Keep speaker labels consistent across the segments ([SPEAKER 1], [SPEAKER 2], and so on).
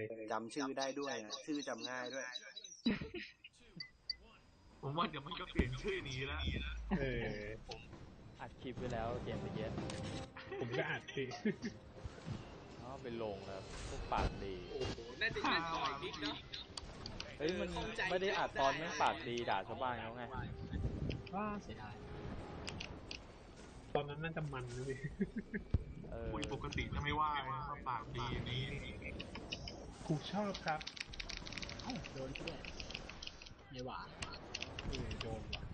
[SPEAKER 1] จำชื่อได้ด้วยนะชื่อจำง่ายด้วย
[SPEAKER 2] ผมว่าเดี๋ยวมันก็เปลี่ยนชื่อหนีแล้ว
[SPEAKER 3] ผมอัดคลิปไว้แล้วเกมเมื่อกี้
[SPEAKER 4] ผมก็อัดสิ
[SPEAKER 3] ไปลงแล้วพวกปากดี
[SPEAKER 5] โอ้โหน่าจะยิงต่อยนิดเนาะ
[SPEAKER 3] เฮ้ยมันไม่ได้อัดตอนแม่งปากดีด่าชาวบ้านเขาไง
[SPEAKER 4] ว่าเสียดายตอนนั้นน่าจะมันนะพี่
[SPEAKER 2] คุยปกติจะไม่ว่าเขาปากดีอย่างนี้
[SPEAKER 4] กูชอบครับ
[SPEAKER 6] โดนด้วยไม่หวาน
[SPEAKER 4] โดนว่ะ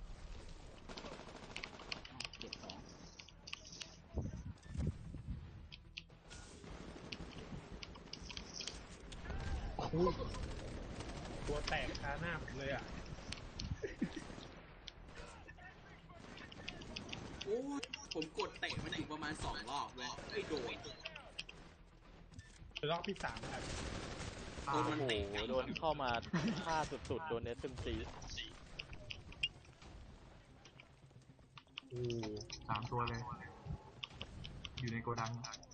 [SPEAKER 6] เก็บ2
[SPEAKER 4] ตัวแตกคาหน้าผมเลยอ่ะ
[SPEAKER 5] โอ้ผมกดเตะมันอีกประมาณ2 รอบเลยไอ้โดน
[SPEAKER 4] รอบที่3ครับ
[SPEAKER 3] โอ้โหโดนเข้ามาฆ่าสุดๆโดนSMG
[SPEAKER 2] 3 ตัวเลยอยู่ในโกดัง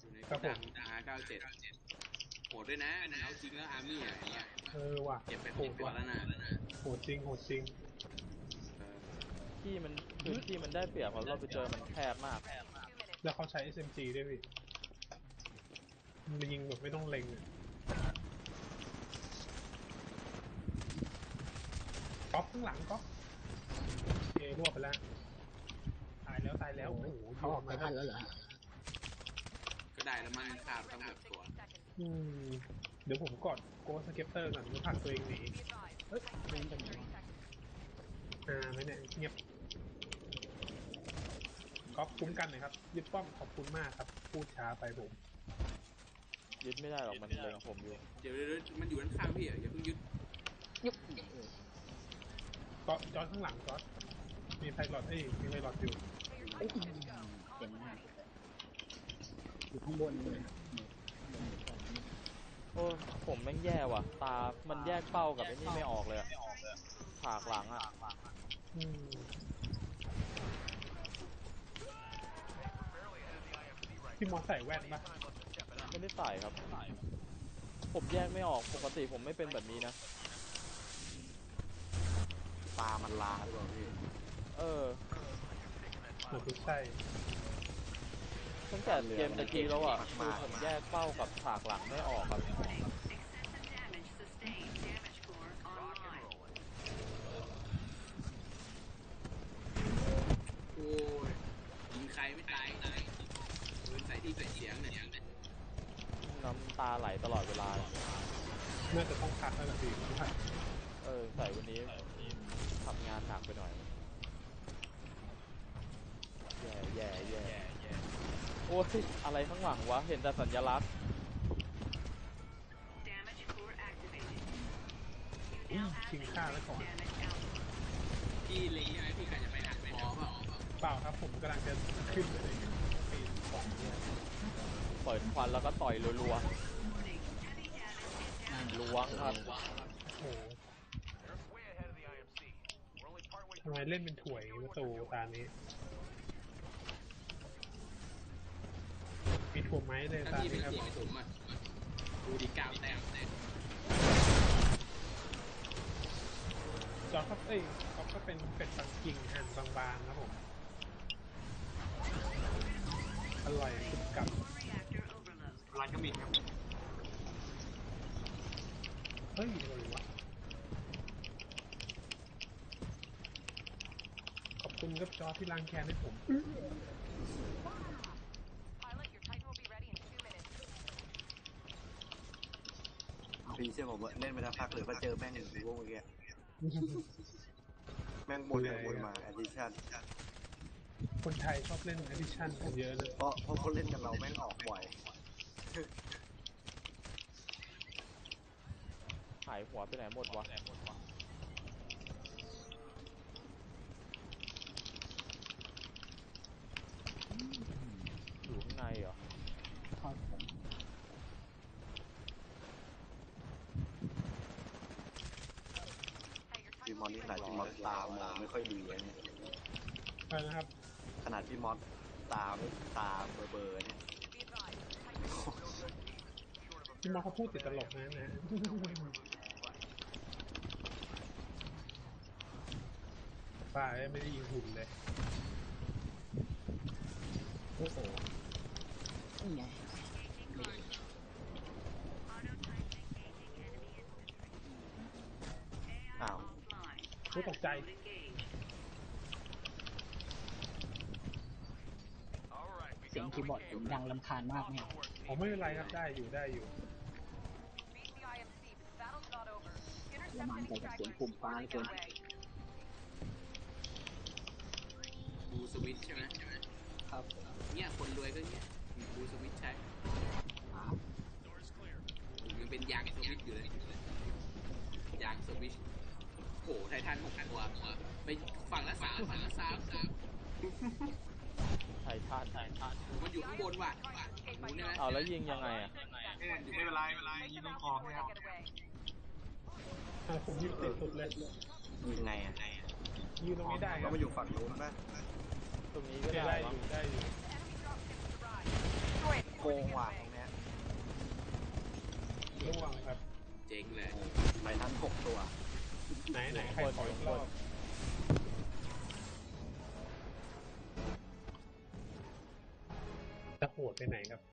[SPEAKER 5] R97โหดด้วยนะเอาจริงแล้วอาร์มี่อะไรเงี้ย
[SPEAKER 4] ว่ะ
[SPEAKER 5] เก็บไป6 ตัวแล้วนะ
[SPEAKER 4] โหดจริง
[SPEAKER 3] ที่มันพื้นที่มันได้เปรียบเพราะเราไปเจอมันแคบมาก
[SPEAKER 4] แล้วเขาใช้ SMG ด้วยพี่มันยิงแบบไม่ต้องเล็งก๊อฟข้างหลังก๊อฟรวบไปแล้วตายแล้วโอ้โห
[SPEAKER 6] เขาออกมาได้แล้วเหรอ
[SPEAKER 5] ก็ได้แล้วมันขาดตั้ง6 ตัว
[SPEAKER 4] เดี๋ยวผมกดโกสเก็ปเตอร์ก่อนมันผลักตัวเองหนี
[SPEAKER 6] เฮ้ยเล่นกันไหน
[SPEAKER 4] ไม่เนี่ยเงียบก๊อฟคุ้มกันหน่อยครับยึดป้อมขอบคุณมากครับพูดช้าไปผม
[SPEAKER 3] ยึดไม่ได้หรอกมันเล็งผมอยู่
[SPEAKER 5] เดี๋ยวมันอยู่ด้านข้างพี่อย่าเพิ่งยึด
[SPEAKER 4] ก็จอดข้างหลังจอดมีไพลอตมีไพลอตอยู่
[SPEAKER 6] เต็มมากอยู่ข้างบนเลย
[SPEAKER 3] โอ้ผมแม่งแย่ว่ะตามันแยกเป้ากับไอ้นี่ไม่ออกเลยอะฉากหลังอะ
[SPEAKER 4] พี่มอสใส่แว่นปะ
[SPEAKER 3] ไม่ได้ใส่ครับผมแยกไม่ออกปกติผมไม่เป็นแบบนี้นะ
[SPEAKER 1] ตามันลาหรือเปล่าพี่
[SPEAKER 4] ไม่ใช่
[SPEAKER 3] ตั้งแต่เกมตะกี้แล้วอ่ะคือผมแยกเป้ากับฉากหลังไม่ออกครับ
[SPEAKER 5] โอ้ยยิงใครไม่ตายปืนใส่ที่ใส่เสียงเนี่ย
[SPEAKER 3] น้ำตาไหลตลอดเวลา
[SPEAKER 4] น่าจะต้องพักแล้วนะพี่
[SPEAKER 3] ใส่วันนี้ทำงานหนักไปหน่อยแย่โอ้ยอะไรข้างหลังวะเห็นแต่สัญลักษณ์
[SPEAKER 4] ชิงค่าแล้วก่อน
[SPEAKER 5] พี่เล็งใช่ไหมพี่กะจะไปหักไปท้อ
[SPEAKER 4] เปล่าครับผมกำลังจะขึ้นเลยปีนของเนี่ย
[SPEAKER 3] เปิดควันแล้วก็ต่อยรัวล้วงครับ
[SPEAKER 4] โอ้ทำไมเล่นเป็นถ่วยประตูตานี้มีถ่วงไม้เลยตานี้ครับ
[SPEAKER 5] ดูดีกาวแต้ม
[SPEAKER 4] จอครับก็เป็นเป็ดปักกิ่งหั่นบางๆครับผมอร่อยสุดกับ
[SPEAKER 2] ร้านก็มีครับ
[SPEAKER 4] เฮ้ยอะไรวะขอบคุณครับจอที่ล้างแค้นให้ผม
[SPEAKER 1] พี่เชื่อผมว่าเล่นไปแล้วพักหรือว่าเจอแม่งหนึ่งพวกเมื่อกี้แม่งบนมาแอดดิชั่น
[SPEAKER 4] คนไทยชอบเล่นแอดดิชั่นกันเยอะเลย
[SPEAKER 1] เพราะเขาเล่นกับเราแม่งออกบ่อย
[SPEAKER 3] หายหัวไปไหนหมดวะอยู่ข้างในเหรอ
[SPEAKER 1] พี่มอสนี่ขนาดพี่มอสตามองไม่ค่อยดีเนี่ย
[SPEAKER 4] นะครับ
[SPEAKER 1] ขนาดพี่มอสตาเบอร์เนี่ย
[SPEAKER 4] พี่มอเขาพูดติดตลกนะนะป้าไม่ได้ยิงหุ่นเลย
[SPEAKER 6] โอ้โหนี่ไง
[SPEAKER 1] อ้าว
[SPEAKER 4] พูดตกใจ
[SPEAKER 6] เสียงคีย์บอร์ดผมดังรำคาญมากเนี่ย
[SPEAKER 4] ผมไม่เป็นไรครับได้อยู่ได้อยู่
[SPEAKER 6] ละมันใจกับเสียงปุ่มฟ้าเกิน
[SPEAKER 5] บูสวิตช์ใช่ไหม
[SPEAKER 6] ครับ
[SPEAKER 5] เนี่ยคนรวยก็เนี่ยมีบูสวิตช์ใช้ยังเป็นยางสวิตช์อยู่เลยยางสวิตช์โหไททัน6 ตัวไปฝั่งละ3ฝั่งละ3
[SPEAKER 3] ไททัน
[SPEAKER 5] มันอยู่ข้างบนว่ะฝั่งนู้นเนี่ยนะ
[SPEAKER 3] เอาแล้วยิงยังไงอ่ะ
[SPEAKER 2] ไม่เป็นไรไม่เป็นไรยิงต้องคองนะครับ
[SPEAKER 4] ผมยิงติดสุดเลย
[SPEAKER 1] ยิงไงอ่ะ
[SPEAKER 4] ยืนตรงนี้ได้ค
[SPEAKER 1] เรา
[SPEAKER 4] รับ
[SPEAKER 1] มาอยู่ฝั่งนู้นป่ะ
[SPEAKER 3] ตรงนี้ก็
[SPEAKER 4] ได้
[SPEAKER 3] ได้
[SPEAKER 4] อ
[SPEAKER 3] มั้ง
[SPEAKER 4] ยู่ได้อยู่
[SPEAKER 1] โกงว่ะตรงเนี้ย
[SPEAKER 4] ระวังครับ
[SPEAKER 5] เจ๋งเลย
[SPEAKER 1] ไปทั้ง6 ตัว
[SPEAKER 4] ไหนใครขออีกรอบจะโหดไปไหนครับ